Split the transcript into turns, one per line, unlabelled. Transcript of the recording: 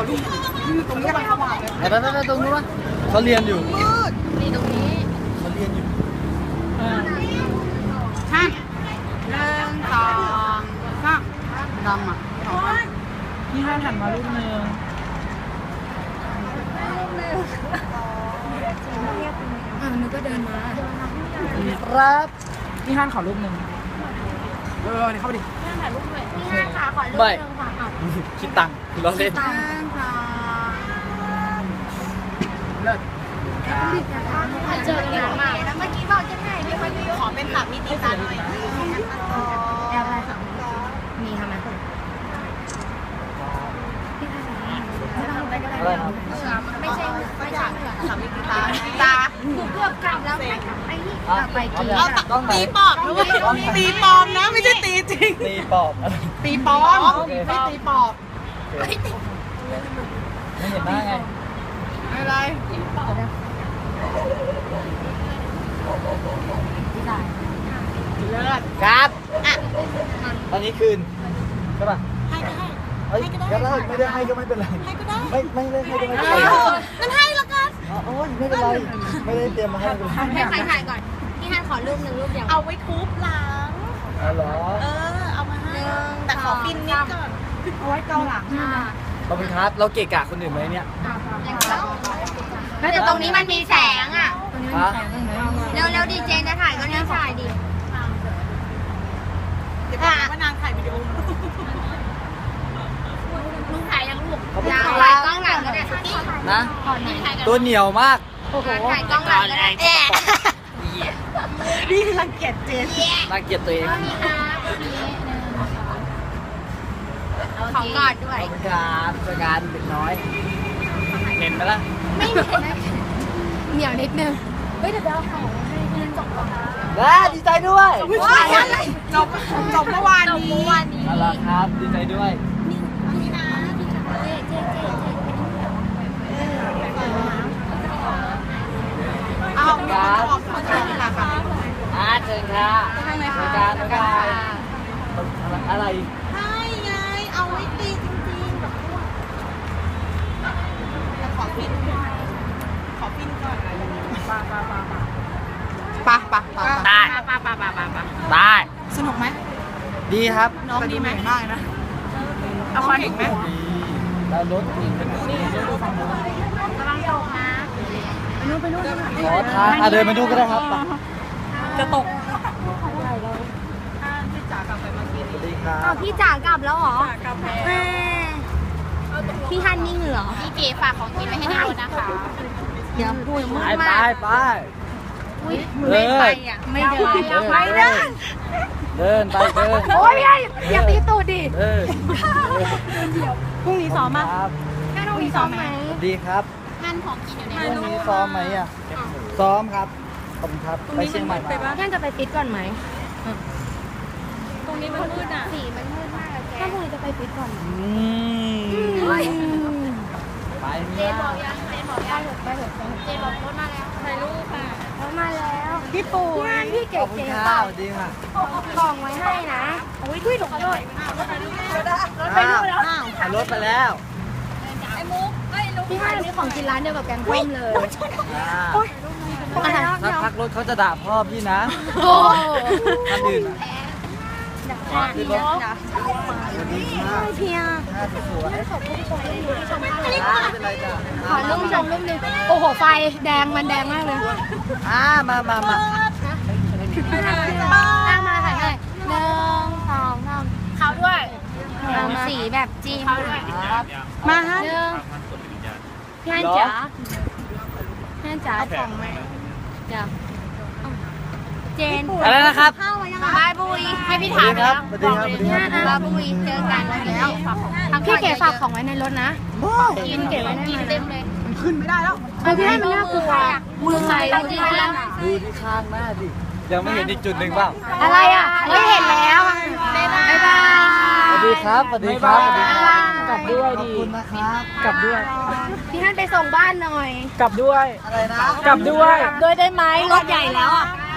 ตรงนี้กำลังสว่างเลย
ไปตรงนู้นวะเขาเรียนอยู่
นี่ตรงนี้
เขาเรียนอยู่
ใช่1 2 3ดำอ่ะ
พี่ฮันหันมาลูกนึง
นึกก็เดินมา
ครับ
พี่ฮันขอรูปนึง
นี่เข้าไปดิ
พี่ฮันขอรูปนึงค่ะ
คิดตังค์เราเล่น
เลิศ
เจอกันนานมากแล้วเมื่อกี้บอกจะให้พี่คนนี้ขอเป็นสามีตีตาหน่อยแอบอะไรค่ะมีทำไม
อะไรครับ
ไม่ใช่สามีตีตาเกือบกลับแล้วไอ้นี่ไปกิน
ต้องไหน
ตีปอบด้วยตีปอมนะไม่ใช่ตีจริง
ตีปอบ
ตีปอมไม่ตีปอบ
ไม่เห็นหน้าไง
อะไรเลิศ
ครับตอนนี้คืนใช่ป่ะให้ก็ให้ก็ได้ไม่ได้ให้ก็ไม่เป็นไรให้ก็ได้ไม่ได้ให้ก็ไม่เป็นไร
งั้นให้ละกัน
โอ้ยไม่เป็นไรไม่ได้เตรียมมาให้เป็นไร
ให้ใครถ่ายก่อนพี่ฮันขอรูปหนึ่งรูปเดียวเอาไว้ทุบหลัง
อ๋อเหรอ
เอามาให้แต่ขอฟินนิดก่อน
เอาไว้เกาหลัง
ขอบคุณครับเราเกะกะคนอื่นไหมเนี่ย
แล้วแต่ตรงนี้มันมีแสงอ่ะ
ฮะ
เร็วดีเจจะถ่ายก็เนี่ยถ่ายดิ
เดี๋ยวว่านางถ่ายวิดีโอ
ลุงถ่ายยังลูก
ขอบคุณ
ถ่า
ครั
ย
บ
กล้องหลังก็ได้
นะ
ก่อนถ่ายกัน
ตัวเหนียวมาก
ถ่ายกล้องหลังก็ได้
นี่รังเกียจเจน
น่าเกลียดตัวเอง
ของกอดด้วย
ขอบคุณครับจัดการเด็กน้อยเห็นไหมล่ะ
ไม่เหม็นเหนียวนิดนึงเฮ้ยเดี๋ยวเอาของให้เพื่อนจบก่อนนะ
ดีใจด้วย
จบเมื่อวานนี้
เอาล่ะครับดีใจด้วย
นี่นะเจ๊
เอาเขาถ่ายนี่แหละค่ะ
เชิญค่ะจัดการอะไร
ให้ไงเอาไว้ตีจริงๆแบบพวก
ขอฟินก่อนปะ
ได้ ได้
สนุกไหม
ดีครับ
น้องดีไหมมากนะเอาควันอีกไหม
ดีแล้วรถอีก
ระวังตกนะ
ขอทางเดินมาดูก็ได้ครับ
จะตก
สวัสดีครั
อ้า
บ
วพี่จ๋ากลับแล้วเหรอ
กาแฟ
พี่ฮันนิ่งเหรอพี่เก๋ฝากของกินไว้ให้ในรถนะคะเดี๋ยวพูดมื
ไป
ด
ไป
มาก
ไป
อุ้ยไม่ไปอ่ะไม่เดิน
ไม่เดินเดินไปเดิน
โอ้ยอย่าตีตูดดิ
เดิน
พรุ่งนี้ซ้อม
ค
ป่ะ
รับ
แค่ต้องมีซ้อมไหม
สวัสดีครับ
ฮันของกินอยู่ใน
พ
ร
รุ่ง
ถ
นี้ซ้อมไหมอ่ะซ้อมครับขอบคุณครับไปเชียงใหม่มา
ท่านจะไปฟิตก่อนไหม
ตรงนี้มันมืดอ่ะ
สีมันมืดมากอะแกถ้าพรุ่งนี้จะไปฟิตก่อนไหม
ไป
เจ
เนี่ย
บอกยังเจบอกยังไปเถอะเจบอกรถมาแล้วถ่ายรูปค่ะรถมาแล้ว
พี่ปู่
งานพี่
ข
เก๋
อบคุณ
ๆ
ค
เป
รั
ล่า
บสวัสดีค่ะ
กล่องไว้ให้นะโอ้ยด้วยหนูขอโทษรถไปนู่นแล้ว
เอารถไปแล้ว
พี่ฮันนี่ของกินร้านเดียวกับแกงส้มเลย
ถ้าพักรถเขาจะด่าพ่อพี่นะ
โอ้
ท่านอื่นขึ้นรถ
เพีย
น่าจะสวย
ขอบคุณชมรูปนี้ชมมาก
ไม่เป็นไรจ้ะ
ขอรูปชมรูปนึงโอ้โหไฟแดงมันแดงมากเลย
มา
ตั้งมาถ่ายให้1 2 3เขาด้วยสีแบบจีน
ครับ
มาฮะ
พี่ฮันจ๋าพี่ฮันจ๋าของไหมเดี๋ยวเจน
อะไรนะครับ
บายบุยให้พี่
สวั
ถา
ส
ม
ดี
ไป
ครั
แล้
บ
ว
สวัสดีครับสวัสดีครับ
บายบุยเจอกันแล้วพี่เก๋ฝากของไว้ในรถนะกินเก๋ไว้ได้ไหมเต็มเลย
มันขึ้นไม่ได้แล้ว
พี่ฮันมันน่ากลัวมือใครจริงๆแล้ว
ดูที่ข้างหน้าดิยังไม่เห็นอีกจุดหนึ่งเปล่า
อะไรอ่ะไม่เห็นแล้วบ๊ายบาย
สวัสดีครับสวัสดีครับสวัสดีครับ
กลับด้วย
ขอบ
ดี
คุณนะครับ
กลับด้วย
พี่ฮันไปส่งบ้านหน่อย
กลับด้วย
อะไรนะ
กลับด้วย
ด้วยได้ไหมรถใหญ่แล้วอ่ะ